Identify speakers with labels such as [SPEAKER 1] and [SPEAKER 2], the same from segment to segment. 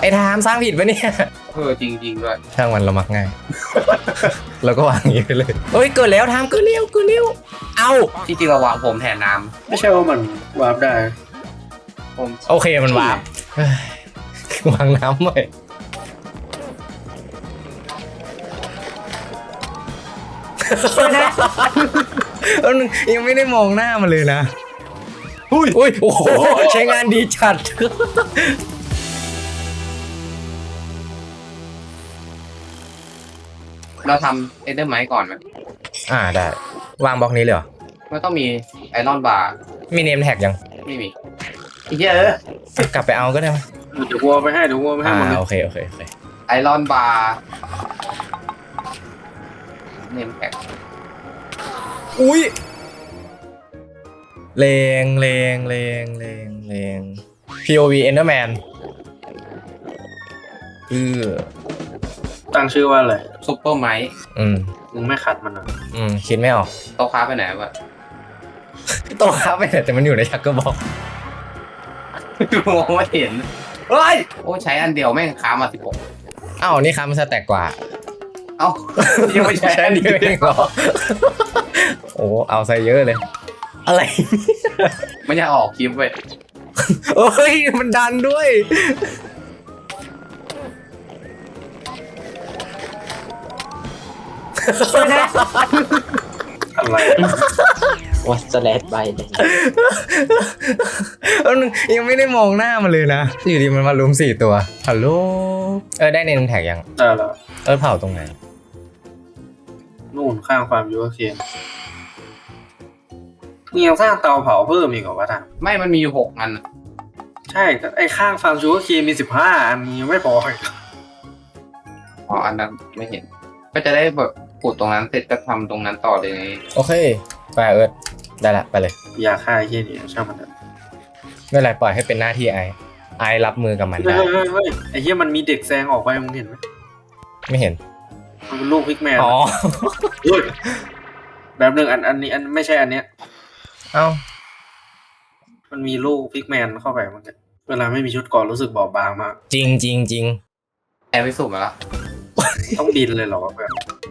[SPEAKER 1] ไอ้ทามสร้างผิดปะเนี่ย
[SPEAKER 2] จริงๆด้วย
[SPEAKER 1] ช่างมันเรามักง่าย เราก็วางอย่างนี้ไปเลยเฮ้ยเกิดแล้วทามเกิดเร็วเอา
[SPEAKER 2] จริงๆเราวางผมแทนน้
[SPEAKER 3] ไม่ใช่ว่ามันวาร์ปได้
[SPEAKER 2] ำผม
[SPEAKER 1] โอเคมันวางเฮ้ยวางน้ำไว้ยังไม่ได้มองหน้ามันเลยนะอุ้ยโอ้โหใช้งานดีจัด
[SPEAKER 2] เราทำเอเดอร์ไมท์ก่อนไหม
[SPEAKER 1] ได้วางบล็อกนี้เลยเหรอ
[SPEAKER 2] มันต้องมีไอรอนบาร์
[SPEAKER 1] มีเนมแท็กยัง
[SPEAKER 2] ไม่มีเยอะ
[SPEAKER 1] กลับไปเอาก็ได้ไหม
[SPEAKER 3] เดี๋ยววัวไปให้หมดเลย
[SPEAKER 1] โอเค
[SPEAKER 2] ไอรอนบาร์เนมแท็ก
[SPEAKER 1] อุ้ยเลง POV Enderman
[SPEAKER 3] ตั้งชื่อว่าอะไร
[SPEAKER 2] ซุปเปอร์ไมท์
[SPEAKER 3] มึงไม่ขัดมันอ่ะ
[SPEAKER 1] คิดไม่ออก
[SPEAKER 2] โต๊ะค้าไปไหนวะ
[SPEAKER 1] โตครับไปแต่มันอยู่ในชักเกอร์บอก
[SPEAKER 2] มองไม่เห็นเฮ้ยโอ้ใช้อันเดียวแม่งค้ามา16
[SPEAKER 1] อ้าวนี่ครับมันสแต็กกว่า
[SPEAKER 2] เอ้ายังไม่ใช้อัน
[SPEAKER 1] นี่
[SPEAKER 2] เดียว
[SPEAKER 1] เองเหรอ โอ้เอาใส่เยอะเลย อะไร
[SPEAKER 2] ไม่อยากออกคลิปเว้ย
[SPEAKER 1] โอ้ยมันดันด้วย
[SPEAKER 3] อะไร
[SPEAKER 4] วัสแลดใบเลย
[SPEAKER 1] ยังไม่ได้มองหน้ามันเลยนะอยู่ดีมันมาลุม4 ตัวฮัลโหลได้เนมแท็กยัง
[SPEAKER 3] ได้แล้ว
[SPEAKER 1] เผาตรงไหน
[SPEAKER 3] นู่นข้างความยูเครนมึงยังสร้างเตาเผาเพิ่มอีกเหรอวะท่าน
[SPEAKER 2] ไม่มันมีอยู่6อัน
[SPEAKER 3] ใช่ไอ้ข้างฟาร์มยูเครนมี15 อันยังไม่พออีก
[SPEAKER 2] อ๋ออันนั้นไม่เห็น ก็จะได้แบบขุดตรงนั้นเสร็จก็ทำตรงนั้นต่อเลยไง
[SPEAKER 1] โอเคไปได้ละไปเลย
[SPEAKER 3] อย่าฆ่าไอ้เหี้ยนี่ช่างมันเถอะ
[SPEAKER 1] ไม่เป็นไรปล่อยให้เป็นหน้าที่ไอรับมือกับมันได้
[SPEAKER 3] เฮ้ยไอ้เหี้ยมันมีเด็กแซงออกไปมึงเห็นไหม
[SPEAKER 1] ไม่เห็น
[SPEAKER 3] มันเป็นลูกพิกแมน
[SPEAKER 1] อ๋อ
[SPEAKER 3] เฮ้ยแบบหนึ่งอันนี้ไม่ใช่อันเนี้ย
[SPEAKER 1] เอ้า
[SPEAKER 3] มันมีลูกพิกแมนเข้าไปมันเวลาไม่มีชุดเกราะรู้สึกบอบบางมาก
[SPEAKER 1] จริง
[SPEAKER 2] แอบไปสุ่มมาแล้ว
[SPEAKER 3] ต้องบินเลยเหรอวะแบบ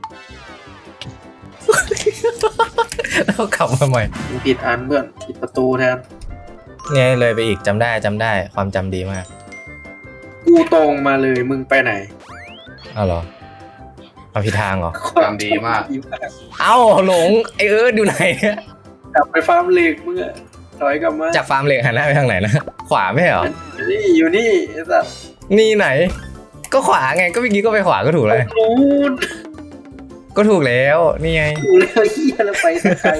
[SPEAKER 1] แล้วกลับมาใหม่
[SPEAKER 3] มึงผิดอันเพื่อนผิดประตูแทน
[SPEAKER 1] เนี่ยเลยไปอีกจำได้ความจำดีมาก
[SPEAKER 3] กูตรงมาเลยมึงไปไหน
[SPEAKER 1] เอาเหรอเอาผิดทางเหรอ
[SPEAKER 2] จำดีมาก
[SPEAKER 1] เอ้าหลงไออยู่ไหนเนี่ย
[SPEAKER 3] กลับไปฟาร์มเหล็กมึงอะถอยกลับมา
[SPEAKER 1] จากฟาร์มเหล็กหันหน้าไปทางไหนนะขวาไม่เหรอ
[SPEAKER 3] นี่อยู่นี่ไอ้สัส
[SPEAKER 1] นี่ไหน ก็ขวาไงก็เมื่อกี้ก็ไปขวาก็ถูกเลย
[SPEAKER 3] นู้น
[SPEAKER 1] ก็ถูกแล้วนี่ไง
[SPEAKER 3] กูเลยเฮียแล้วไปสักไกล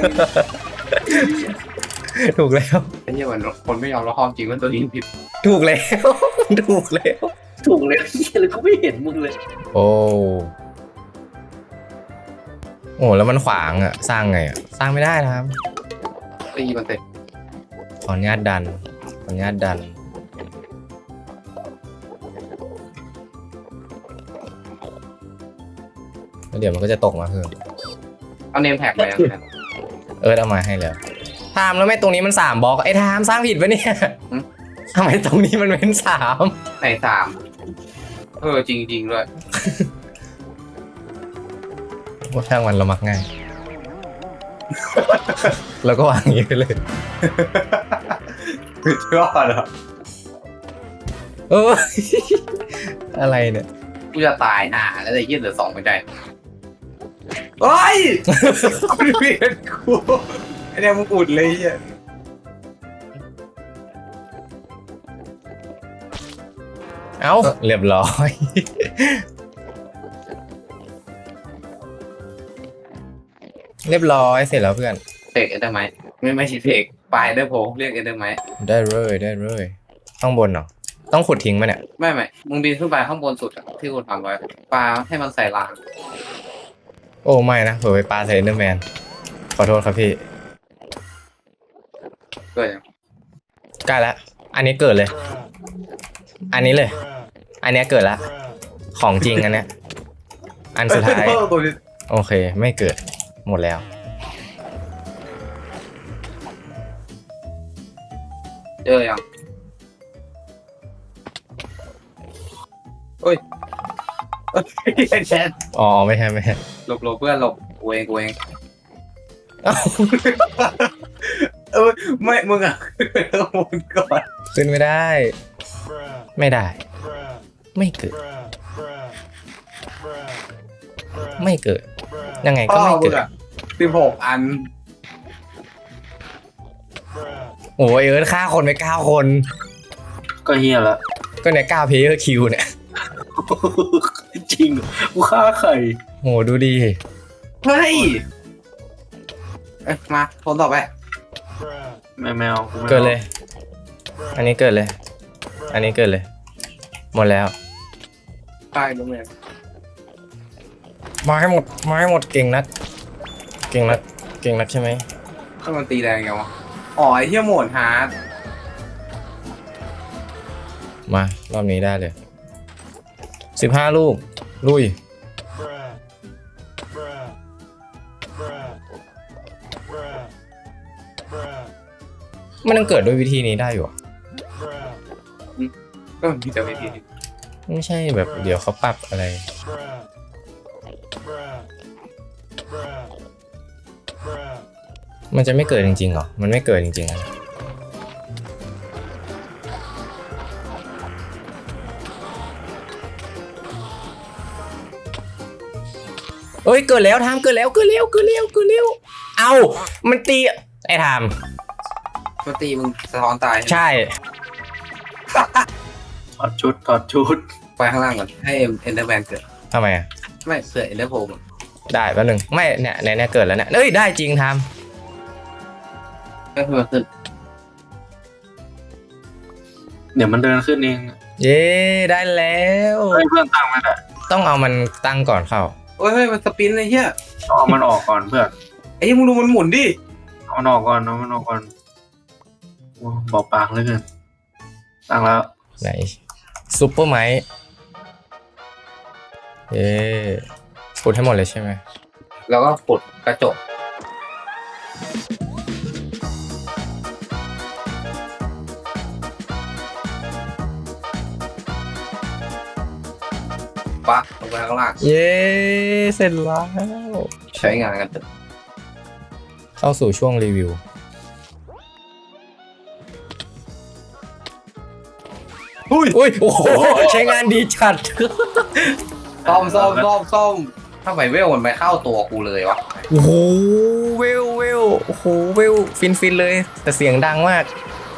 [SPEAKER 1] ถูกแล้ว
[SPEAKER 2] ไอ้เหี้ยมันคนไม่ยอมรับความจริงว่าตัวเองผิด
[SPEAKER 1] ถูกแล้ว ถูกแล้ว
[SPEAKER 3] ถูกเลยเฮียเลยกูไม่เห็นมึงเลย
[SPEAKER 1] โอ้แล้วมันขวางอ่ะสร้างไงอ่ะสร้างไม่ได้นะครับ
[SPEAKER 2] ตีมันเตะ
[SPEAKER 1] ขออนุญาตดันแล้วเดี๋ยวมันก็จะตกมาเพิ่ม
[SPEAKER 2] เอาเนมแท็กไปยังไง
[SPEAKER 1] เอามาให้แล้วทามแล้วไม่ตรงนี้มัน3 บล็อกไอ้ทามสร้างผิดปะเนี่ยทำไมตรงนี้มันเป็น3
[SPEAKER 2] ไหน3จริงๆด้วย
[SPEAKER 1] ว่าช่างมันเรามักง่าย แล้วก็วางอย่างนี้ไปเลย
[SPEAKER 2] ยอดเหรอ
[SPEAKER 1] อะไรเนี่ย
[SPEAKER 2] กูจะตายห่าแล้วไอ้เหี้ยเหลือ2ไม่ได้เฮ้ยเวียนกูไอ้เนี่ยมึงอุดเลยเหี้ย
[SPEAKER 1] เอ้าเรียบร้อย เรียบร้อยเสร็จแล้วเพื่อน
[SPEAKER 2] เทคเอเดอร์ไมท์ไม่ใช่เทคปลายเดอร์โพเรียกเอเดอร์ไมท์
[SPEAKER 1] ได้เลยข้างบนเหรอต้องขุดทิ้งไหมเนี่ย
[SPEAKER 2] ไม่มึงบินขึ้นไปข้างบนสุดอะที่กูทำไว้ปลาให้มันใส่ราง
[SPEAKER 1] โอ้ไม่นะเผื่อไปปาใส่เอนเดอร์แมนขอโทษครับพี่
[SPEAKER 2] เกิดยัง
[SPEAKER 1] ใกล้แล้วอันนี้เกิดเลย อันนี้เลย อันนี้เกิดละของจริงอันเนี้ยอันสุดท้ายโอเคไม่เกิดหมดแล้ว
[SPEAKER 2] เจอยังเอ้ยแทน
[SPEAKER 1] อ๋อไม่ใช่
[SPEAKER 2] หลบเพื่อนหลบกูเอง
[SPEAKER 1] เอ้า
[SPEAKER 2] ไม่มึงอ่ะมึงก่อน
[SPEAKER 1] ขึ้นไม่ได้ ไม่ได้ ไม่เกิด ไม่เกิด ยังไงก็ไม่เกิด
[SPEAKER 2] 16 อัน
[SPEAKER 1] โอ้ยเอิร์ธฆ่าคนไป9 คน
[SPEAKER 3] ก็เฮียละ
[SPEAKER 1] ก็เนี่ย9 player kill เนี่ย
[SPEAKER 3] จริงเหรอกูฆ่าใคร
[SPEAKER 1] โหดูดี
[SPEAKER 2] เฮ้ยมาคนต่อไป
[SPEAKER 3] ไม่เอากูไม่อา
[SPEAKER 1] เกิดเลย อันนี้เกิดเลย อันนี้เกิดเลย หมดแล้ว
[SPEAKER 2] ใช่ลุงเนี่ย
[SPEAKER 1] มาให้หมด มาให้หมดเก่งนัก เก่งนัก เก่งนักใช่ไหม
[SPEAKER 2] ถ้ามันตีแรงไงวะอ๋อไอ้เหี้ยโหมดฮาร์ด
[SPEAKER 1] มารอบนี้ได้เลย15 ลูก ลุย มันยังเกิดด้วยวิธีนี้ได้อยู่อะ
[SPEAKER 2] ก็มีแต่วิธี
[SPEAKER 1] ไม่ใช่แบบเดี๋ยวเขาปรับอะไร มันจะไม่เกิดจริงๆเหรอ มันไม่เกิดจริงๆอะเอ้ยเกิดแล้วทามเกิดแล้วเกิดเร็วเกิดเร็วเกิดเร็วเอ้ามันตีไอ้ทาม
[SPEAKER 2] มันตีมึงสะท้อนตาย
[SPEAKER 1] ใช่
[SPEAKER 3] ถอดชุด
[SPEAKER 2] ไปข้างล่างก่อนให้เอ็นเดอร์แมนเกิด
[SPEAKER 1] ทำไมอ่ะ
[SPEAKER 2] ไม่เสือเอ็นเดอร์โพม
[SPEAKER 1] ได้แป๊บนึงไม่เนี่ยเกิดแล้วเนี่ยเอ้ยได้จริงทาม
[SPEAKER 2] ก็คือมันขึ้น
[SPEAKER 3] เดี๋ยวมันเดินขึ้นเอง
[SPEAKER 1] เย้ได้แล้ว
[SPEAKER 3] เฮ้ยเพื่อนตั้งมันอ่ะ
[SPEAKER 1] ต้องเอามันตั้งก่อนเข้า
[SPEAKER 2] เฮ้ยมันสปินเลยเฮีย
[SPEAKER 3] เอามันออกก่อนเพื่อน
[SPEAKER 2] ไอ้มึงดูมันหมุนดิ
[SPEAKER 3] เอามันออกก่อนโอ้บอกปากเหลยเกินตั้งแล้ว
[SPEAKER 1] ไหนซุปเปอร์ไมค์เย้ขุดให้หมดเลยใช่ไหม
[SPEAKER 2] แล้วก็กดกระจกปะลงไปข้างล่าง
[SPEAKER 1] เย้เสร็จแล้ว
[SPEAKER 2] ใช้งานกันเถอะ
[SPEAKER 1] เข้าสู่ช่วงรีวิว
[SPEAKER 2] อุ้ย
[SPEAKER 1] อุ้ยโอ้โหใช้งานดีจัด
[SPEAKER 2] ซ่อมทำไมเวลมันไม่เข้าตัวกูเลยวะ
[SPEAKER 1] โอ้โหเวลโอ้โหเวลฟินเลย แต่เสียงดังมาก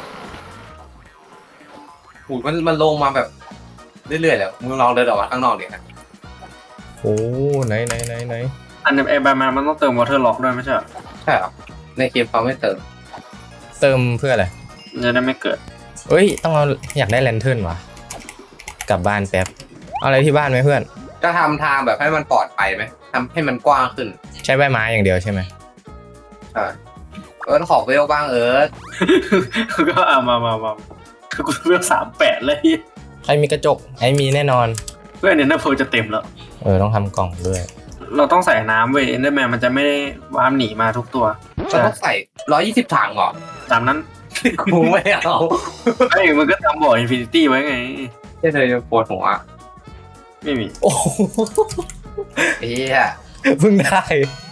[SPEAKER 2] หูมันลงมาแบบเรื่อยๆแล้วมึงลองเดินออกมาข้างนอกดินะ
[SPEAKER 1] โอ้ไหน
[SPEAKER 3] อันนี้ไอ้แบทแมนมันต้องเติมวอเตอร์ล็อกด้วยไม่ใช่เหรอ
[SPEAKER 2] ใช่เหรอในเกมเขาไม่เติม
[SPEAKER 1] เติมเพื่ออะไร
[SPEAKER 3] มันจะได้ไม่เกิด
[SPEAKER 1] เอ้ยต้องเอาอยากได้แลนเทิร์นว่ะกลับบ้านแป๊บเอาอะไรที่บ้านไหมเพื่อน
[SPEAKER 2] ก็ทำทางแบบให้มันปลอดภัยไหมทำให้มันกว้างขึ้น
[SPEAKER 1] ใช้ใบไม้อย่างเดียวใช่ไหม
[SPEAKER 2] ใช่ขอเวลบ้าง
[SPEAKER 3] ก็เอามาคือกูเลือก38เลย
[SPEAKER 1] ใครมีกระจกไอ้มีแน่นอน
[SPEAKER 3] เพื่อนเนี่ยน่าโพจะเต็มแล้ว
[SPEAKER 1] ต้องทำกล่องด้วย
[SPEAKER 3] เราต้องใส่น้ำเว้ยเอนเดอร์แมนมันจะไม่ได้วามหนีมาทุกตัว
[SPEAKER 2] จะต้องใส่120 ถังเหรอ
[SPEAKER 3] ตามนั้น
[SPEAKER 2] กูไม่เอา
[SPEAKER 3] ไอ้มันก็ทำบ่ออินฟินิตี้ไว้ไง
[SPEAKER 2] แค่เลยปวดหัว
[SPEAKER 3] ไม่มี
[SPEAKER 1] โอ้โห
[SPEAKER 2] เฮีย
[SPEAKER 1] เพิ่งได้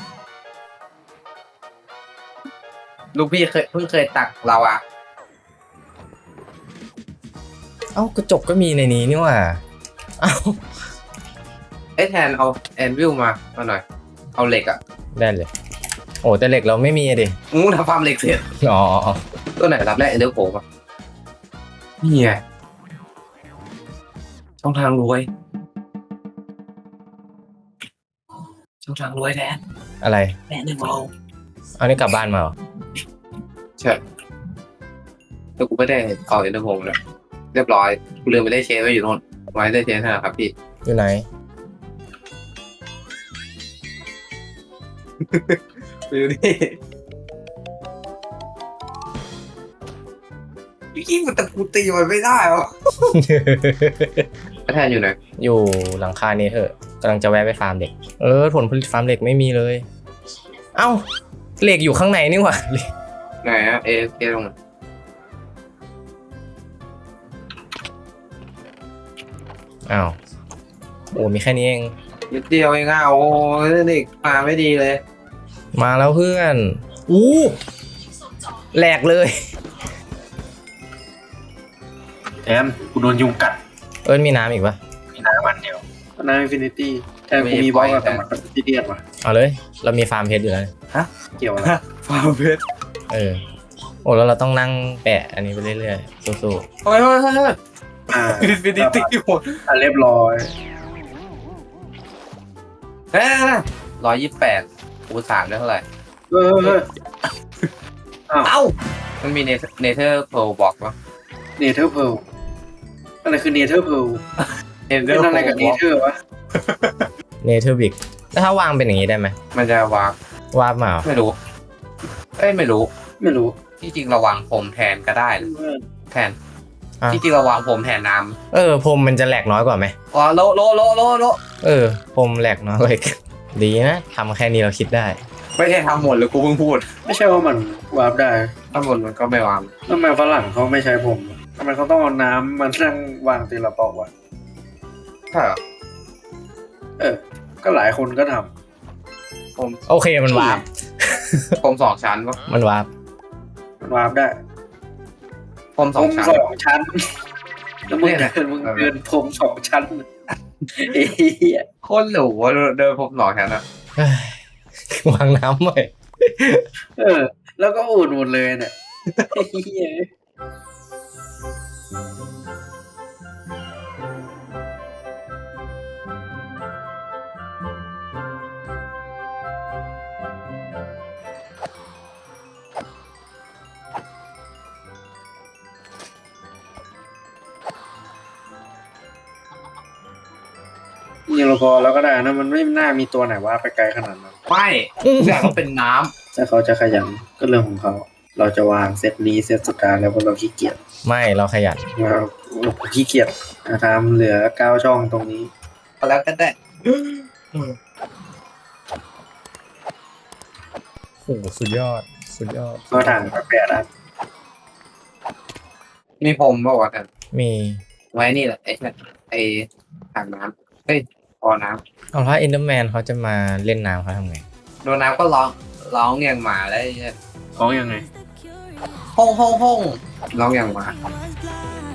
[SPEAKER 2] ลูกพี่เพิ่งเคยตักเราอะ
[SPEAKER 1] เอ้ากระจกก็มีในนี้นี่หว่าเอ้า
[SPEAKER 2] แทนเอาแอนวิลมาหน่อยเอาเหล็กอะ
[SPEAKER 1] ได้เลย โอ้แต่เหล็กเราไม่มีอะดิ
[SPEAKER 2] มึงทำฟาร์มเหล็กเสร็จ
[SPEAKER 1] อ๋อ
[SPEAKER 2] ตัวไหนรับแรกเอเดอร์โผล่ปะนี่ไงช่องทางรวยแทน
[SPEAKER 1] อะไร
[SPEAKER 2] แม่หนึ่งเรา
[SPEAKER 1] เอานี่กลับบ้านมาเหรอ
[SPEAKER 2] ใช่แต่กูไม่ได้เอาเอเดอร์โผล่เลยเรียบร้อยกูลืมไปได้เชฟไว้อยู่โน่นไว้ได้เชฟนะครับพี่
[SPEAKER 1] อยู่ไหน
[SPEAKER 2] ไปดูนี่ยิ่งมันตะกูตีมันไม่ได้หรอแทนอยู่ไหน
[SPEAKER 1] อยู่หลังคานี้เถอะกำลังจะแวะไปฟาร์มเหล็กผลผลิตฟาร์มเหล็กไม่มีเลย เอ้าเหล็กอยู่ข้างในนี่หว่า
[SPEAKER 2] ไหนอะเอลง
[SPEAKER 1] อ้าวโอ้มีแค่นี้เอง
[SPEAKER 2] นิดเดียวเองอ่ะโอ้ยเด็กมาไม่ดีเลย
[SPEAKER 1] มาแล้วเพื่อนอู้แหลกเลย
[SPEAKER 3] แทนกูโดนยุงกัด
[SPEAKER 1] เอิ้นมีน้ำอีกปะ
[SPEAKER 3] มีน้ำมันเดียวน้ำอินฟินิตี้แทนกูมีบล็อกอะแต่มันเป็นที่เดียดว่ะ
[SPEAKER 1] เอาเลย เรามีฟาร์มเพชรอยู่แล้ว
[SPEAKER 3] เกี่ยวอะไร
[SPEAKER 2] ฟาร์มเพชร
[SPEAKER 1] เออโอ้แล้วเราต้องนั่งแปะอันนี้ไปเรื่อยๆสู้
[SPEAKER 2] เฮ้ยเฮ้ยเฮ้ย
[SPEAKER 3] อ่า
[SPEAKER 2] อินฟินิตี้หมด
[SPEAKER 3] เรียบร้อย
[SPEAKER 2] 128คูณ3ได้เท่าไหร่
[SPEAKER 3] เอออ้าว
[SPEAKER 2] เอ้า มันมีเนเธอร์โพลบอกว่า
[SPEAKER 3] เนเธอร์เพลอะไรคือเนเธอร์เพล
[SPEAKER 2] เนเธอ
[SPEAKER 3] เป็น
[SPEAKER 2] ร์
[SPEAKER 3] อะไรกับ
[SPEAKER 2] โพ
[SPEAKER 3] เน
[SPEAKER 2] ล
[SPEAKER 3] เธอร์วะ
[SPEAKER 1] ๆเนเธอร์บิกแล้วถ้าวางเป็นอย่างนี้ได้ไหม
[SPEAKER 2] มันจะวาง
[SPEAKER 1] วาดมาเหรอ
[SPEAKER 2] ไม่รู้เอ้ยไม่รู้
[SPEAKER 3] ไม่รู้
[SPEAKER 2] ที่จริงเราวางผมแทนก็ได้นะแทนที่จริงเราวางผมแทนน้
[SPEAKER 1] เออพรมมันจะแหลกน้อยกว่าไหม
[SPEAKER 2] ำอ๋อโล
[SPEAKER 1] เออพรมแหลกน้อยกว่าอีกดีนะทำแค่นี้เราคิดได้
[SPEAKER 2] ไม่ใช่ทำหมดเลยกูเพิ่งพูด
[SPEAKER 3] ไม่ใช่ว่ามันวาร์ปได้
[SPEAKER 2] ทำหมดมันก็ไม่วาง
[SPEAKER 3] ทำไมฝรั่งเขาไม่ใช้ผมทำไมเขาต้องเอาน้ำมานั่งวางทีละปอกวะ
[SPEAKER 2] ใช่เหรอ
[SPEAKER 3] เออ ก็หลายคนก็ท
[SPEAKER 2] ผม
[SPEAKER 1] โอเคมันวาร์ป
[SPEAKER 2] ผม2 ชั้นปะ
[SPEAKER 1] มันวาร์ป
[SPEAKER 3] ำมันวาร์ปได้
[SPEAKER 2] ผม
[SPEAKER 3] ผ
[SPEAKER 2] 2
[SPEAKER 3] ม
[SPEAKER 2] ชั้น
[SPEAKER 3] 2 ชั้นแล้วมึงเดินผม2 ชั้นเอ้ย
[SPEAKER 2] โคตรหรูว่าเดินผม2 ชั้นอะ
[SPEAKER 1] เฮ้ยว างน้ำไว้
[SPEAKER 3] เออ แล้วก็อุ่นหมดเลยเนี่ยเฮ้ย ยิงเราพอแล้วก็ได้นะมันไม่น่ามีตัวไหนว่าไปไกลขนาดนั้น
[SPEAKER 2] ไม่อยากเป็นน้
[SPEAKER 3] ถ้าเขาจะขยันก็เรื่องของเขา เราจะวางเซตนี้เซตสุดท้ายแล้วเพราะเราขี้เกียจ
[SPEAKER 1] ไม่เราขยัน
[SPEAKER 3] เราขี้เกียจทำเหลือ9 ช่องตรงนี้
[SPEAKER 2] ำแล้วก็ได้
[SPEAKER 1] โอ้โหสุดยอดสุดยอด
[SPEAKER 3] ก็ถังก็แปดอัน
[SPEAKER 2] มีผมบอกว่ากัน
[SPEAKER 1] มี
[SPEAKER 2] ไว้นี่แหละไอ้ถังน้ำเฮ้ยพอน้
[SPEAKER 1] เอาถ้าเอนเดอร์แมนเขาจะมาเล่นน้ำเขาทำไง
[SPEAKER 2] ำโดนน้ำก็ร้องอย่างหมาได้
[SPEAKER 3] ของยังไง
[SPEAKER 2] ห้องร้องอย่างหมา